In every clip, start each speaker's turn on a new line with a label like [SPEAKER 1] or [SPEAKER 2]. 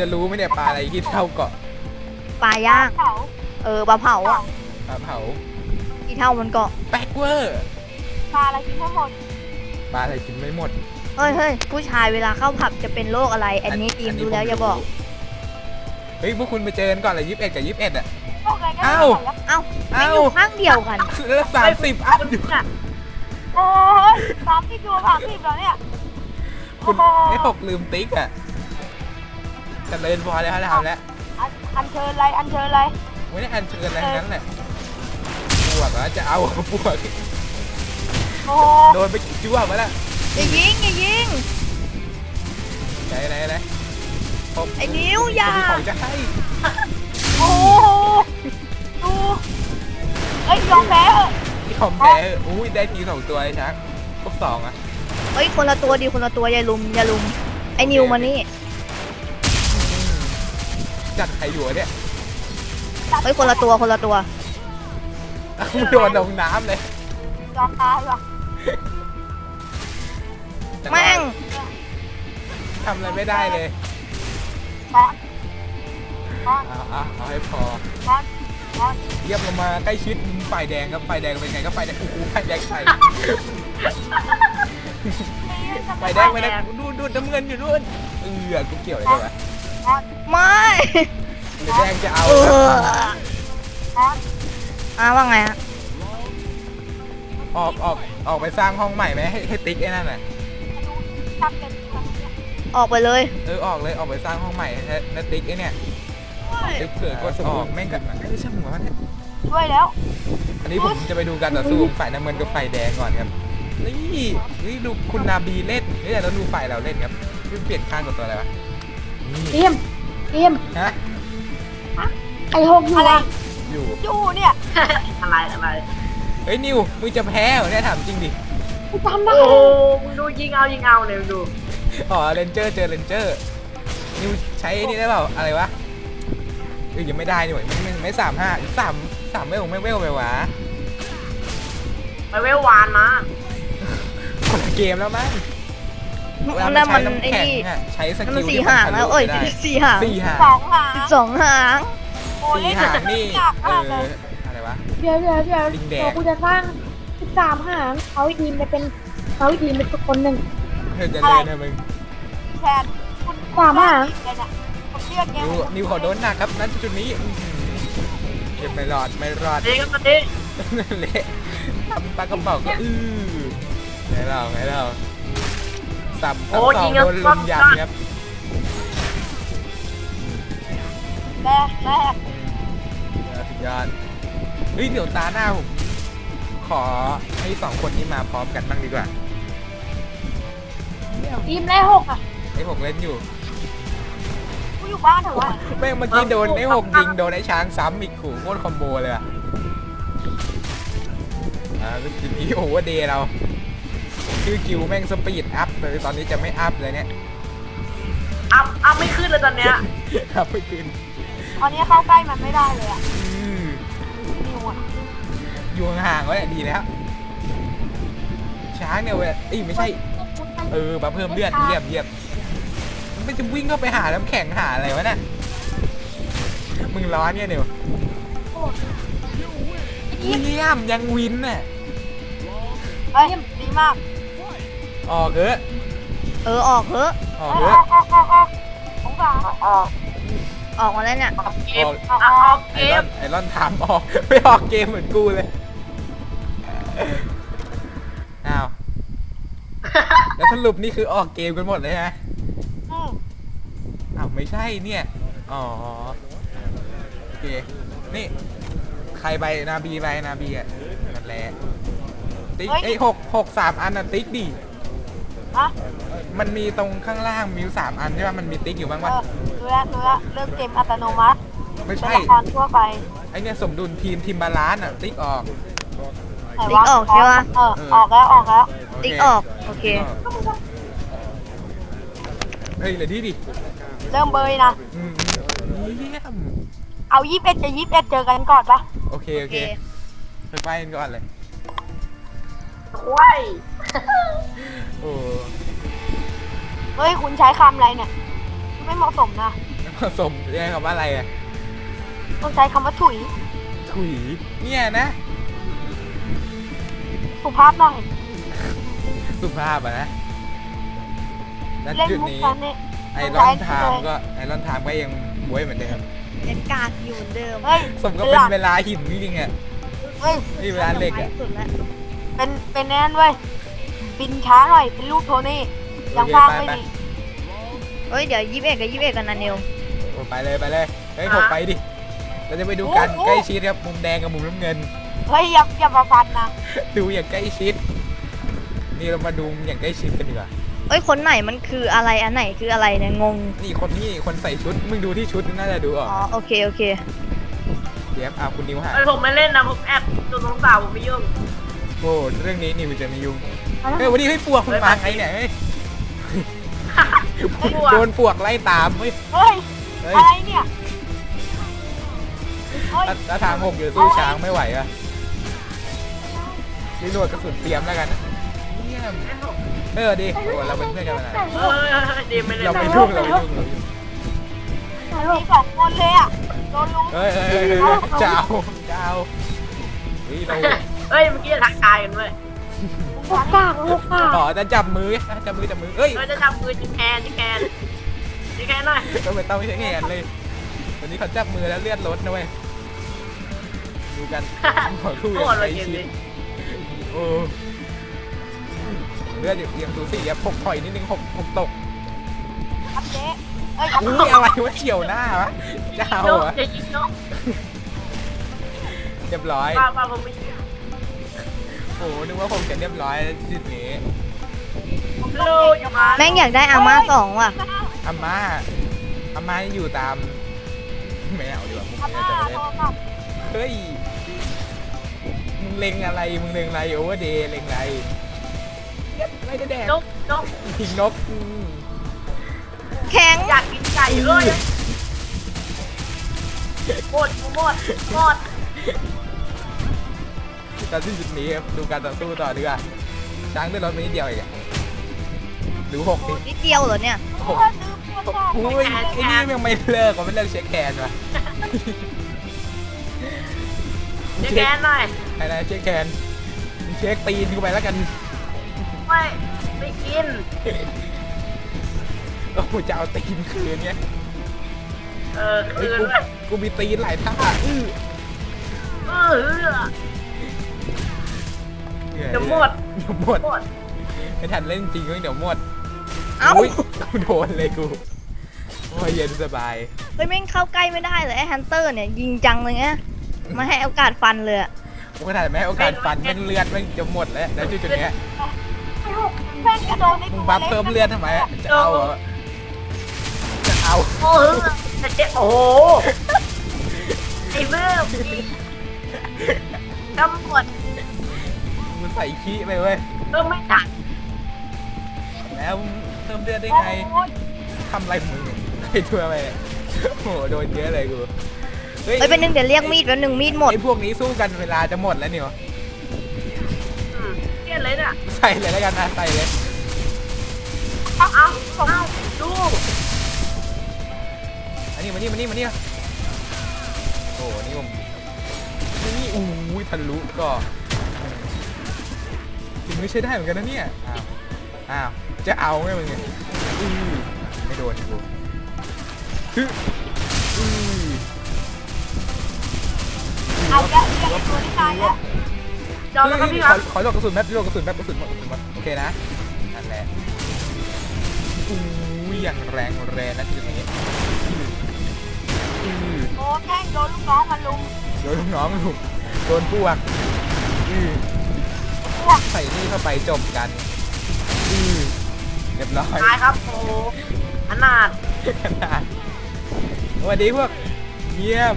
[SPEAKER 1] จะรู้ไหมเนี่ยปลาอะไรที่เท่าเกาะ
[SPEAKER 2] ปลาย่าง
[SPEAKER 3] เผา
[SPEAKER 2] ปลาเผาอ่ะ
[SPEAKER 1] ปลาเผา
[SPEAKER 2] ที่เท่ามันเกาะ
[SPEAKER 1] แบ็กเวอร์
[SPEAKER 3] ปลาอะไรกินทั้งหมด
[SPEAKER 1] ปลาอะไรกินไม่หมด
[SPEAKER 2] เฮ้ยผู้ชายเวลาเข้าผับจะเป็นโรคอะไร อันนี้ทีมดูแล้วอย่าบอก
[SPEAKER 1] เฮ้ยพวกคุณไปเจอกันก่อนเลย21 กับ 21อ่ะ
[SPEAKER 3] พวกอะไรกัน
[SPEAKER 1] เอ้า
[SPEAKER 2] ไม่อยู่ข้างเดียวกัน
[SPEAKER 1] แล้ว30อัพอยู่
[SPEAKER 3] โอ้ย30อยู่30แล้วเนี่ย
[SPEAKER 1] คุณไอ้หกลืมติ๊กอ่ะจะเล่นพอแล้วทำแล้ว
[SPEAKER 3] อันเชิญอะไรอันเชิญอะไร
[SPEAKER 1] ไม่ได้อันเชิญอะไรทั้งนั้นแหละปวกแล้วจะเอาปวก
[SPEAKER 3] โอ้
[SPEAKER 1] โดนไปกี่จ้วงมาแล้ว
[SPEAKER 2] อย่ายิง
[SPEAKER 1] ไหนผม
[SPEAKER 2] ไอ้นิ้วอย่า
[SPEAKER 1] มีของจะให้
[SPEAKER 3] โหดูเอ้ยยอมแพ้เออ
[SPEAKER 1] มีของแพ้อุ้ยได้ที2 ตัวไอ้ช้างพวก2อ่ะ
[SPEAKER 2] เฮ้ยคนละตัวดีคนละตัวอย่าลุมไอ้นิวมานี่
[SPEAKER 1] จัดใครอยู่เนี่ย
[SPEAKER 2] เฮ้ยคนละตัว
[SPEAKER 1] โดนลงน้ำเลย
[SPEAKER 3] ยอมตายว่ะ
[SPEAKER 2] แม่ง
[SPEAKER 1] ทำอะไรไม่ได้เลย
[SPEAKER 3] บอลบอล
[SPEAKER 1] เอาให้พอบ
[SPEAKER 3] อลบอล
[SPEAKER 1] เยี่ยมลงมาใกล้ชิดฝ่ายแดงครับฝ่ายแดงเป็นไงก็ฝ่ายแดงโอ้โหฝ่ายแดงใส่ฝ่ายแดงดูน้ำเงินอยู่นู่นกูเกี่ยวอะไรด้วยวะ
[SPEAKER 3] บอล
[SPEAKER 2] ไม่
[SPEAKER 1] หรือแดงจะเอา
[SPEAKER 2] เออ
[SPEAKER 3] บอล
[SPEAKER 2] ว่าไงฮะ
[SPEAKER 1] ออกไปสร้างห้องใหม่ไหมให้ติ๊กไอ้นั่นน่ะ
[SPEAKER 3] ทำเป็นคนเนี่ย
[SPEAKER 2] ออกไปเลย
[SPEAKER 1] ออกเลยออกไปสร้างห้องใหม่ให้ติ๊กไอ้เนี่ยติ๊กเกิดกดออกแม่งกันไม่ใช่หัวมันเนี่ย
[SPEAKER 3] ช่วยแล้ว
[SPEAKER 1] อันนี้ผมจะไปดูการต่อสู้ฝ่ายน้ำเงินกับฝ่ายแดงก่อนครับนี่ดูคุณนาบีเล่นนี่เราดูฝ่ายเราเล่นครับเปลี่ยนข้างกับตัวอะไรวะ
[SPEAKER 4] เอ็ม
[SPEAKER 1] ฮะ
[SPEAKER 4] ไอหกอยู่
[SPEAKER 3] อะไร
[SPEAKER 4] อ่ะ
[SPEAKER 1] อยู่
[SPEAKER 3] อยู่เนี่ย
[SPEAKER 4] อะไร
[SPEAKER 1] เฮ้ยนิวมึงจะแพ้เหรอเนี่ยถามจริงดิ
[SPEAKER 4] กูจำได้
[SPEAKER 5] โอ้โหมึงดูยิงเอาเลยมึงดู
[SPEAKER 1] อ๋อเรนเจอร์เจอเรนเจอร์นิวใช้นี่ได้เปล่าอะไรวะยังไม่ได้นี่หว่าไม่3 ไม่เวลไปวะ
[SPEAKER 5] ไปเวลวานมา
[SPEAKER 1] คนละเกมแล้วมั้งเวลา
[SPEAKER 2] นั่น
[SPEAKER 1] ใช้
[SPEAKER 2] มัน
[SPEAKER 1] น้ำ
[SPEAKER 2] ไอ้
[SPEAKER 1] แข็ง
[SPEAKER 2] นี่
[SPEAKER 1] อะใช้ส
[SPEAKER 2] นั่น
[SPEAKER 1] กิ
[SPEAKER 2] มัน
[SPEAKER 1] ล
[SPEAKER 2] สี่
[SPEAKER 1] ที่
[SPEAKER 2] หาง
[SPEAKER 1] ทะ
[SPEAKER 2] แล้ว
[SPEAKER 1] ลุได้
[SPEAKER 2] สี่หาง
[SPEAKER 1] 4 หาง
[SPEAKER 3] 2 หาง
[SPEAKER 2] 12 หาง
[SPEAKER 3] โอ้ย
[SPEAKER 1] 4 หางนี่
[SPEAKER 3] ยากมากเลย
[SPEAKER 1] อะไรวะ
[SPEAKER 4] เดี๋ยว
[SPEAKER 1] ลิงแดง
[SPEAKER 4] กูจะสร้าง13 หางเขาอีกทีมไปเป็นคนหนึ่ง
[SPEAKER 1] เธอจะเล่นนะมึง
[SPEAKER 3] แทนคุณ
[SPEAKER 4] 3 หาง
[SPEAKER 3] อะไรเนี่ยผมเรียกแก
[SPEAKER 1] นิวขอโดนหนักครับนั้นจุดนี้เก็บไม่รอด
[SPEAKER 5] เด็กกันมาดิ
[SPEAKER 1] เละทำปลากระเป๋าก็ไงเราสับสองโดนลุมยำครับ
[SPEAKER 3] แรก
[SPEAKER 1] สุดยอดเฮ้ยเดี๋ยวตาหน้าผมขอให้2 คนนี้มาพร้อมกันบ้างดีกว่า
[SPEAKER 4] ทีมแรก6อ่ะ
[SPEAKER 1] ไอ้6เล่นอยู่
[SPEAKER 3] กูอยู่บ้านเถอะวะ
[SPEAKER 1] แม่งเมื่อกี้โดนไอ้6ยิงโดนไอ้ช้างซ้ำอีกขู่โคตรคอมโบเลยอะก็ทีนี้โอเวอร์เดย์เราชื่อกิวแม่งสปีดอัพเลยตอนนี้จะไม่อัพเลยเนี่ย
[SPEAKER 5] อัพไม่ขึ้นเลยตอนเนี้ย
[SPEAKER 1] อัพไม่ขึ้น
[SPEAKER 3] ตอนนี้เข้าใกล้มันไม่ได้เลยอ่ะ
[SPEAKER 1] อืม
[SPEAKER 3] นิวอ่ะ
[SPEAKER 1] อยู่ห่างๆไว้ดีแล้ว ช้างเนี่ยเว้ยไม่ใช่มาเพิ่มเลือดเยี่ยมมันจะวิ่งเข้าไปหาน้ำแข็งหาอะไรวะเนี่ยมึงร้อนเนี่ยเดี๋ยวเยี่ยมยังวินน่ะ
[SPEAKER 3] เฮ้ยดีมาก
[SPEAKER 1] ออกเถอะ
[SPEAKER 2] ออกเถอะ
[SPEAKER 1] ออกเถอะ
[SPEAKER 3] สงสาร
[SPEAKER 2] ออกมาแล้วเนี่ย
[SPEAKER 5] ออกเกม
[SPEAKER 1] ออก
[SPEAKER 5] ออกเกม
[SPEAKER 1] ไอรอนถามออกไม่ออกเกมเหมือนกูเลยอ้าวแล้วสรุปนี่คือออกเกมกันหมดเลยฮะ
[SPEAKER 3] อืม
[SPEAKER 1] อ้าวไม่ใช่เนี่ยอ๋อโอเคนี่ใครใบนาบีอ่ะนั่นแหละติ๊ก6 3 อันน่ะติ๊กดิ
[SPEAKER 3] ฮะ
[SPEAKER 1] มันมีตรงข้างล่างมีอยู่3 อันใช่ป่ะมันมีติ๊กอยู่บ้างวะ
[SPEAKER 3] รู้แล้วเริ่มเกมอัตโนมัติ
[SPEAKER 1] ไม่
[SPEAKER 3] เป็น
[SPEAKER 1] ใช่
[SPEAKER 3] ละครทั่วไป
[SPEAKER 1] ไอเนี่ยสมดุลทีมบาลานซ์อ่ะติ๊กออก
[SPEAKER 2] ติ๊กออกใช่ปะ
[SPEAKER 3] ออกแล้ว
[SPEAKER 2] ติ๊กออก โอเค
[SPEAKER 1] เฮ้ยเหลือดีดิ
[SPEAKER 3] เริ่มเบยนะ
[SPEAKER 1] เยี่ยม
[SPEAKER 3] เอา21 กับ 21เจอกันก่อนปะ
[SPEAKER 1] โอเคไปกันก่อนเลย
[SPEAKER 5] ว้าย
[SPEAKER 1] โอ้
[SPEAKER 3] เฮ้ยคุณใช้คำอะไรเนี่ยไม่เหมาะสมนะ
[SPEAKER 1] ไม่ผสมเรียกคำว่าอะไรอะ
[SPEAKER 3] ต้องใช้คำว่าถุย
[SPEAKER 1] ถุยเนี่ยนะ
[SPEAKER 3] สุภาพหน่อย
[SPEAKER 1] สุภาพอะนะณ
[SPEAKER 3] เล่น
[SPEAKER 1] จุด
[SPEAKER 3] มุก
[SPEAKER 1] นี้
[SPEAKER 3] กันนี่
[SPEAKER 1] ไอรอนไทม์ก็ยังบวยเหมือนเดิม
[SPEAKER 2] เป็นกากอยู่เหมือนเดิม
[SPEAKER 3] เฮ้ย
[SPEAKER 1] สมก็เป็นเวลาหินจริงๆอะ
[SPEAKER 3] เฮ้ย
[SPEAKER 1] นี่เวลาเหล็กอะ
[SPEAKER 2] สุดแล้ว
[SPEAKER 3] เป็นแน่นเว้ยบินช้าหน่อยเป็นรูปโทนี่ยังพางไม่ดี
[SPEAKER 2] เฮ้ยเดี๋ยว21กับ21กันนะนิว
[SPEAKER 1] โอ้ไปเลยเฮ้ยผมไปดิเราจะไปดูกันใกล้ชิดครับมุมแดงกับมุมน้ำเงิน
[SPEAKER 3] เฮ้ยอย่ามาฟันนะ
[SPEAKER 1] ดูอย่างใกล้ชิด นี่เรามาดูอย่างใกล้ชิดกันดีกว่า
[SPEAKER 2] เอ้ยคนไหนมันคืออะไรอันไหนคืออะไรเนี่ยงง
[SPEAKER 1] นี่คนใส่ชุดมึงดูที่ชุดน่าจะดูออก
[SPEAKER 2] อ๋อโอเคโอเค
[SPEAKER 1] เดี๋ยวเอาคุณนิวหา
[SPEAKER 5] เอ้ยผมไม่เล่นนะผมแอบตัวน้องสาวผมไม่ยุ่ง
[SPEAKER 1] โอ้เรื่องนี้นิวจะไม่ยุ่งเฮ้ยวันนี้ให้ปวกคุณมาไงเนี่ยเฮ้ยโดนปวกไล่ตามเฮ้ย
[SPEAKER 3] เฮ้ย
[SPEAKER 1] เฮ้ย
[SPEAKER 3] อะไรเนี่ยเฮ้ย
[SPEAKER 1] ถ้าทางหกอยู่สู้ช้างไม่ไหวอะรีโหลดกระสุนเตรียมแล้วกันเยี่ยมดีโอ้เราเป็นเพื่อนกันมานาน
[SPEAKER 5] ดีไม่เล่น
[SPEAKER 1] เราไม่
[SPEAKER 5] นะ
[SPEAKER 1] ยุ่ง
[SPEAKER 3] มีสองคนเลยอ่ะโดนลุม
[SPEAKER 1] เฮ้ยเจ้าเฮ้ยเรา
[SPEAKER 5] เฮ้ยเมื่อกี้ทักทายกันเว้ย
[SPEAKER 4] ลูกกาก
[SPEAKER 1] ต่อจะจับมือเฮ้ย
[SPEAKER 5] เฮ้ยจะจับมือจิแคนหน่อย
[SPEAKER 1] ก็ไม่ต้องใช้แขนเลยวันนี้เขาจับมือแล้วเลือดลดนะเว้ยดูกันขอคู่
[SPEAKER 5] โค
[SPEAKER 1] อย่าง
[SPEAKER 5] ตรเล
[SPEAKER 1] ใก
[SPEAKER 5] ย
[SPEAKER 1] ล้
[SPEAKER 5] เกม
[SPEAKER 1] ชิด
[SPEAKER 5] นี้
[SPEAKER 1] โอ้เลือดอย่างสูสีอะ6ถอยนิดนึง6ตก
[SPEAKER 3] ครับเจ๊เอ้ย
[SPEAKER 1] อุ้ยอะไรวะเฉียวหน้าวะเจ้า
[SPEAKER 5] โยก
[SPEAKER 1] อะ
[SPEAKER 5] จะยิงโยก
[SPEAKER 1] เรียบร้อย
[SPEAKER 5] ป้าผมไม่ยิง
[SPEAKER 1] โอ้นึกว่าผมจะเรียบร้อยจุดนี้
[SPEAKER 5] ลูกอย่ามา
[SPEAKER 2] แม่งอยากได้อาม่า2ว่ะ
[SPEAKER 1] อาม่าอยู่ตามไม่เอาดีกว่ามุก
[SPEAKER 3] อา
[SPEAKER 1] นี้
[SPEAKER 3] ม่า
[SPEAKER 1] จะไม่เล่
[SPEAKER 3] โท
[SPEAKER 1] น
[SPEAKER 3] รศัพท์
[SPEAKER 1] เฮ้ยมึงเล็งอะไรโอเวอร์เดย์เล็งอะไรไม่ได้แดก
[SPEAKER 5] โยก
[SPEAKER 1] ยิงนก
[SPEAKER 2] แข็ง
[SPEAKER 5] อยากกินไก่เลยหมด
[SPEAKER 1] ตอนที่จุดนี้ครับดูการต่อสู้ต่อดีกว่าช้างด้วยรถไม่นิดเดียวเองอะหรือ6ดิ
[SPEAKER 2] นิดเดียวเหรอเนี่ย
[SPEAKER 1] หกอุ้ยไอ้นี่ยังไม่เลิกไม่เลิกเช็คแคนวะ
[SPEAKER 5] จะแกนหน่อย
[SPEAKER 1] ไอ้นายเช็คแคนเช็คตีนกูไปแล้วกัน
[SPEAKER 5] ไม่กิน
[SPEAKER 1] โอ้โหจะเอาตีนคืนเนี้ย
[SPEAKER 5] คื
[SPEAKER 1] เฮ้ย
[SPEAKER 5] น
[SPEAKER 1] กูมีตีนหลายท่า
[SPEAKER 5] จะหมด
[SPEAKER 1] ไม่ทันเล่นจริงเดี๋ยวหมด
[SPEAKER 2] เอ้า
[SPEAKER 1] อุ้ยกูโดนเลยกูโอ้ยเย็นสบาย
[SPEAKER 2] เฮ้ยแม่งเข้าใกล้ไม่ได้เลยไอ้ฮันเตอร์เนี่ยยิงจังเลยเนี่ยมาให้โอกาสฟันเลยอะ
[SPEAKER 1] กูขนาดแม่โอกาสฟันแม่งเลือดแม่งจะหมดแล้วจุดๆเนี้ย
[SPEAKER 3] แม่งกระโดดใน
[SPEAKER 1] มึงบัฟเพิ่มเลือดทำไมอะจะเอาเหรอจะเอา
[SPEAKER 5] โอ้โหไอ้เมื่อตำรวจ
[SPEAKER 1] มึงใส่ขี้ไปเว้ย
[SPEAKER 5] ก็ไม่ตัด
[SPEAKER 1] แล้วเพิ่มเลือดได้ไง
[SPEAKER 3] โอ้ย
[SPEAKER 1] ทำอะไรของมึงไอ้ทั่วไปเนี่ยโอ้โหโดนเยอะเลยกู
[SPEAKER 2] เฮ้ยเป็นหนึ่งเดี๋ยวเรียกมีดแล้วหนึ่งมีดหมด
[SPEAKER 1] ไอ้พวกนี้สู้กันเวลาจะหมดแล้วเนี่ย
[SPEAKER 5] เกลียดเลยเนี่ย
[SPEAKER 1] ใส่เลยแล้วกันนะใส่เลย
[SPEAKER 5] เอาดู
[SPEAKER 1] อันนี้มานี่โอ้นี่ผมนี่อู้ยทะลุก็ถึงไม่ใช่ได้เหมือนกันนะเนี่ยอ้าวจะเอาไงมึงเนี่ยไม่โดนกูฮึ
[SPEAKER 3] เอาแกะเรียกตัวที่ตายแล้ว
[SPEAKER 5] จอมแล้วก็พี่ครับ
[SPEAKER 1] ขอหลอกกระสุนแป๊บกระสุนหมดโอเคนะนั่นแหละอู้ยอย่างแรงนะทีนี้
[SPEAKER 3] โอ้แม่งโดนลูกน้องมันลุม
[SPEAKER 1] โดนลูกน้องลูกโดนพวกใส่นี่เข้าไปจบกันเรียบร้อย
[SPEAKER 5] ตายครับโอ้ขนาด
[SPEAKER 1] สวัสดีพวกเยี่ยม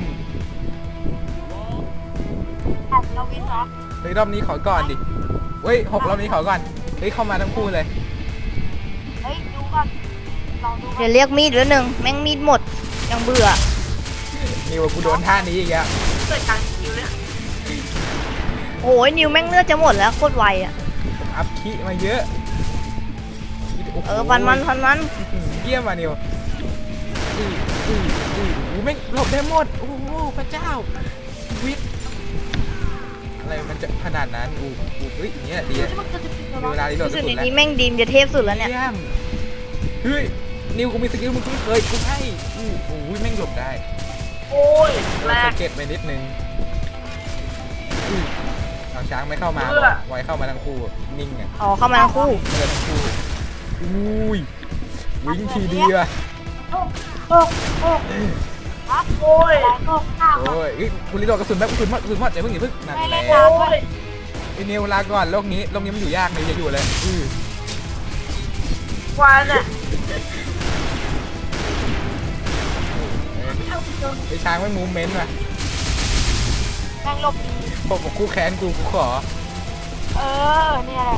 [SPEAKER 3] เอาเราวินเหรอ
[SPEAKER 1] เฮ้ยรอบนี้ขอก่อนดิเฮ้ย6รอบนี้ขอก่อนเฮ้ยเข้ามาทั้งคู่เลย
[SPEAKER 3] เฮ้ยดูก่อนลองดูก่อ
[SPEAKER 2] เดี๋ย
[SPEAKER 3] น
[SPEAKER 2] วเรียกมีดแล้วหนึ่งแม่งมีดหมดยังเบื่อ
[SPEAKER 1] นี่ว่ากูโดนท่านี้อีกแล้ว
[SPEAKER 5] เกิดการคิวเนี่ย
[SPEAKER 2] โอ้ยนิวแม่งเลือดจะหมดแล้วโคตรไวอะ
[SPEAKER 1] ผมอัพคีมาเยอะโโห
[SPEAKER 2] ฟันมัน
[SPEAKER 1] เยี่ยมอ่ะนิวไม่งหลบได้หมดโอ้โหพระเจ้าวิทอะไรมันจะขนาดนั้นเฮ้ยอย่างเงี้ยดีอะ
[SPEAKER 3] ที่มันจะติด
[SPEAKER 1] มีเวลารีโหลด
[SPEAKER 2] รู้
[SPEAKER 1] ก
[SPEAKER 2] สึ
[SPEAKER 1] ระ
[SPEAKER 2] ก
[SPEAKER 1] สุ
[SPEAKER 2] ใน
[SPEAKER 1] นแล้ว
[SPEAKER 2] นี้แม่งดีมจะเทพสุดแล้วเนี่ย
[SPEAKER 1] เยี่ยมเฮ้ยนิวกูมีสกิลมึงคุ้นเคยกูให้โอ้โหแม่งหลบได้
[SPEAKER 5] โอ้ยแร
[SPEAKER 1] ส
[SPEAKER 5] ก
[SPEAKER 1] เก็ตไปนิดนึงเอาช้างไม่เข้ามา
[SPEAKER 5] เพื่อ
[SPEAKER 1] ไว้เข้ามาทั้งคู่นิ่งอ่ะ
[SPEAKER 2] อ๋อเข้ามาทั้งคู่
[SPEAKER 1] ทั้งคู่อุ้ยวิ่งทีเดียว
[SPEAKER 4] โอ้โอ้
[SPEAKER 5] โอ้ย
[SPEAKER 4] โอ้ข้าว
[SPEAKER 1] โอ้ยเฮ้ยคุณรีโหลดกระสุนแบบกระสุนหมดอย่าเพิ่งนั่น
[SPEAKER 3] ไม่
[SPEAKER 1] แห
[SPEAKER 3] เล่
[SPEAKER 1] ละ
[SPEAKER 3] นนานด้วย
[SPEAKER 1] ไอ้นิวลาก่อนโลกนี้มันอยู่ยากนิวจะอยู่เลย
[SPEAKER 5] ควันอ่ะ
[SPEAKER 1] ไอ้ช้างไม่มูเมนต์ว่ะ
[SPEAKER 3] แม่งหลบดี
[SPEAKER 1] พวกคู่แค้นกูขอ
[SPEAKER 3] เนี่ยแหละ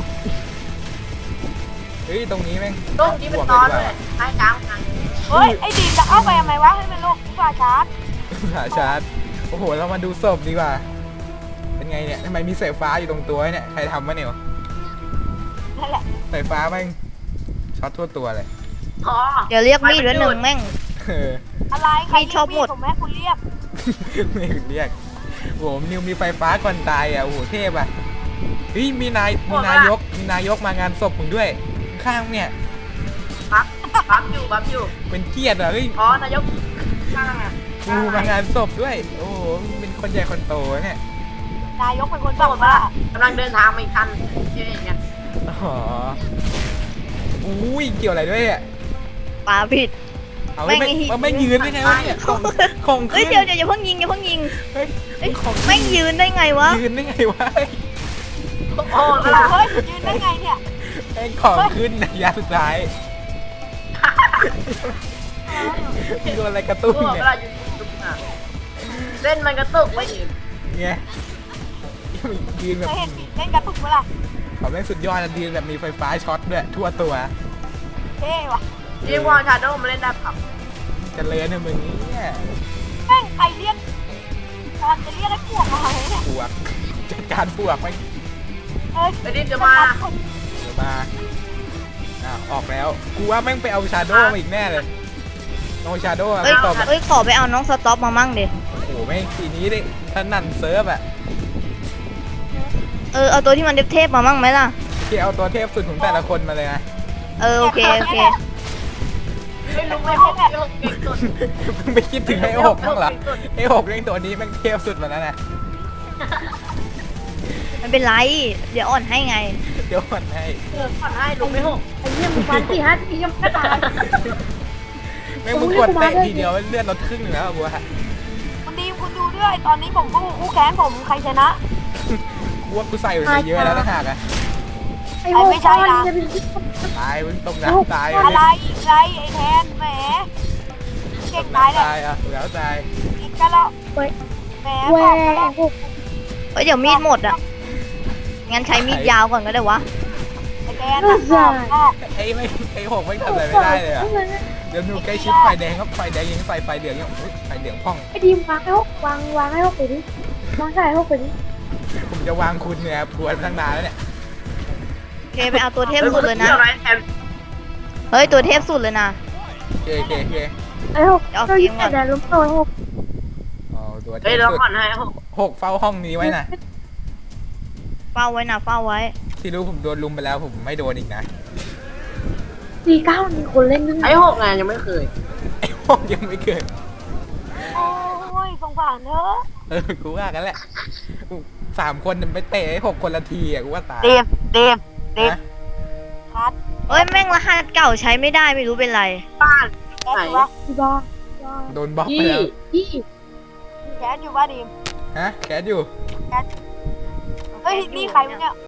[SPEAKER 1] เฮ้ยตรงนี้แม่ง
[SPEAKER 5] โลกนี้มันนอนเลยท้ายกลางทาง
[SPEAKER 3] เฮ้ยไอ้ดีมจะเข้าไปทำไมวะให้มันโลกดีกว่าชาร์จ
[SPEAKER 1] หาชาร์จโอ้โหเรามาดูศพดีกว่าเป็นไงเนี่ยทำไมมีสายฟ้าอยู่ตรงตัวเนี่ยใครทำวะเนี่ย
[SPEAKER 3] นั่นแหละ
[SPEAKER 1] สายฟ้าแม่งช็อตทั่วตัวเลย
[SPEAKER 5] อ๋อ
[SPEAKER 2] เดี๋ยวเรียกมีดไว้หนึ่งแม่ง
[SPEAKER 1] เออ
[SPEAKER 3] อะไรใคร
[SPEAKER 2] มีชอบหมด
[SPEAKER 3] ผมแม่คุณเรียก
[SPEAKER 1] ไม่เรียกโอ้โหนิวมีไฟฟ้าก่อนตายอ่ะโอ้โหเทพอ่ะเฮ้ยมีนายกมางานศพมึงด้วยข้างเนี่ย
[SPEAKER 5] บัฟอยู่
[SPEAKER 1] เป็นเกียรติอ่ะเฮ้ย
[SPEAKER 5] อ๋อนายกข้างอ่ะ
[SPEAKER 1] กูมางานศพด้วยโอ้โหเป็นคนใหญ่คนโตเนี่ย
[SPEAKER 3] นายกเป็นคน
[SPEAKER 5] โด
[SPEAKER 3] สั่ง
[SPEAKER 5] ดมา
[SPEAKER 3] ว่า
[SPEAKER 5] กำลังเดินทางไปคันที่นี่ไง
[SPEAKER 1] อ๋ออุ้ยเกี่ยวอะไรด้วยอ่ะ
[SPEAKER 2] ปาผิด
[SPEAKER 1] เอาไม่
[SPEAKER 2] แม่งไอ้
[SPEAKER 1] ไม่ยืนได้ไงวะเนี่ยของ
[SPEAKER 2] เฮ้ย
[SPEAKER 1] ขึ้น
[SPEAKER 2] เดี๋ยวอย่าเพิ่งยิงอย่าเพิ่งยิง
[SPEAKER 1] เฮ้ย
[SPEAKER 2] เอ้ย
[SPEAKER 1] ของ
[SPEAKER 2] แม่งยืนได้ไงวะ
[SPEAKER 1] ยืนได้ไงวะ
[SPEAKER 5] โอ้ย
[SPEAKER 3] เฮ้ยยืนได้ไงเนี่ย
[SPEAKER 1] แม่งของขึ้นนะยาสุดท้ายโดนอะไรกระตุ้น
[SPEAKER 5] ตัว
[SPEAKER 1] เนี่
[SPEAKER 5] เวย ลาอยู่ตุกอ่ะเส้นมันกระตุกไว้อีก
[SPEAKER 1] ไงยืนแบบ
[SPEAKER 3] เคยเห็นเล่นกระตุกเมื่อไหร่
[SPEAKER 1] เขาแม่งสุดยอดนะยืนแบบมีไฟฟ้าช็อตด้วยทั่วตัว
[SPEAKER 3] เท่ว่ะ
[SPEAKER 5] เรียกว่าชาโดว์มาเล่นได้ผับ
[SPEAKER 1] เจะเลยนะมึงเนี่ย
[SPEAKER 3] แม่งใครเรียกกำลังจะเรียกให้พวกมาเลยเนี่ย
[SPEAKER 1] ปวกจัดการปวกไป
[SPEAKER 3] เอ้ย
[SPEAKER 5] ไอ้ดิมจะมา
[SPEAKER 1] เดี๋ยวมาออกแล้วกูว่าแม่งไปเอาชาโดมาอีกแน่เลยเอาชาโดมา
[SPEAKER 2] เอ้ย
[SPEAKER 1] ตบ
[SPEAKER 2] เอ้ยขอไปเอาน้องสต็อปมามั่งดิ
[SPEAKER 1] โอ้โหแม่งทีนี้ดิถนันเซิร์ฟอ่ะ
[SPEAKER 2] เอาตัวที่มันเทพๆมามั่งไหมล่ะ
[SPEAKER 1] ที่เอาตัวเทพสุดของแต่ละคนมาเลยนะ
[SPEAKER 2] โอเค
[SPEAKER 5] ไม่รู้ไม่ห้องเก่งสุด
[SPEAKER 1] มึงไปคิดถึงไอ้หกบ้างเหรอไอ้หกเรื่องตัวนี้แม่งเทพสุดมาแล้วนะ
[SPEAKER 2] มันเป็นไร เดี๋ยวอ่อนให้ไง
[SPEAKER 1] เดี๋ยวก่อนให้
[SPEAKER 5] ผ่อนให้ลุงไม่หก
[SPEAKER 4] ไอ้เหี้ยมึงฟัน4-5 ทียังไม่ตาย
[SPEAKER 1] แม่งมึงกดเตะทีเดียวเลือดลดครึ่งหนึงแล้วอะกูว่า
[SPEAKER 3] คุณดีมคุณดูด้วยตอนนี้ผมคู่แข่งผมใครชนะ
[SPEAKER 1] กูว่ากูใส่ไปเยอะแล้วนะหากอะ
[SPEAKER 4] ไอ้โว้
[SPEAKER 3] ไม่ใช่นะ
[SPEAKER 4] จะเป็น
[SPEAKER 1] ตายมึงตกน้ำตาย
[SPEAKER 3] อะไรไรไอ้แทนแหมเก่งตายเลย
[SPEAKER 1] ตายอ่ะแล้วตาย
[SPEAKER 3] อีกกันแล้ว
[SPEAKER 4] เว้ย
[SPEAKER 3] แหม
[SPEAKER 4] แหว
[SPEAKER 3] บอกกันแล้ว
[SPEAKER 4] โอ้
[SPEAKER 2] เฮ้ยเดี๋ยวมีดหมดอ่ะ งั้นใช้มีดยาวก่อนก็ได้วะ
[SPEAKER 3] ไอ้แทนนะก็
[SPEAKER 1] ไอ้หกไม่ทำอะไรไม่ได้เลยอ่ะเดี๋ยวดูใกล้ชิดไฟแดงครับไฟแดงยังใส่ไฟเหลืองยังอุ๊ยไฟเหลืองพ่อง
[SPEAKER 4] ไอ้ดีมวางให้หกวางให้หกไปดิวางใส่ให้หกไปดิ
[SPEAKER 1] ผมจะวางคุณเนี่ยบวชตั้งนานแล้วเนี่ย
[SPEAKER 2] โอเคไปเอาตัวเทพสุดเลยนะ
[SPEAKER 5] อะไรแทน
[SPEAKER 2] เฮ้ยตัวเทพสุดเลยนะ
[SPEAKER 1] โอเค
[SPEAKER 4] ไอ้หกเรายึดแต่แดนล้มตัวหก
[SPEAKER 1] อ๋อตัวเท
[SPEAKER 5] เฮ้ย
[SPEAKER 1] พ
[SPEAKER 5] เรา
[SPEAKER 1] สุด
[SPEAKER 5] ผ่อนให้หก
[SPEAKER 1] หกเฝ้าห้องนี้ไว้นะ
[SPEAKER 2] เฝ้าไว้นะเฝ้าไว้
[SPEAKER 1] ที่รู้ผมโดนลุมไปแล้วผมไม่โดนอีกนะ
[SPEAKER 4] 49มีคนเล่นนั่น
[SPEAKER 5] ไอ้หกไงยังไม่เคย
[SPEAKER 1] ไอ้หกยังไม่เกิด
[SPEAKER 3] โอ้ยสงสารเธอ
[SPEAKER 1] กูว่ากันแหละ3 คนไปเตะไอ้6 คนละทีอ่ะกูว่าตาย
[SPEAKER 3] เดฟ
[SPEAKER 1] นะ
[SPEAKER 3] คัด
[SPEAKER 2] เอ้ยแม่งรหัสเก่าใช้ไม่ได้ไม่รู้เป็นไร
[SPEAKER 5] บ้าน
[SPEAKER 3] แคสอยู่ปะ
[SPEAKER 4] ที่บ้าน
[SPEAKER 1] โดนบล็อกไป
[SPEAKER 5] ยี่
[SPEAKER 1] แล้ว
[SPEAKER 4] ที่
[SPEAKER 3] แคสอยู่ปะดีม
[SPEAKER 1] ฮะแคสอยู่
[SPEAKER 3] เฮ้ยนี่ใครวะเนี่ย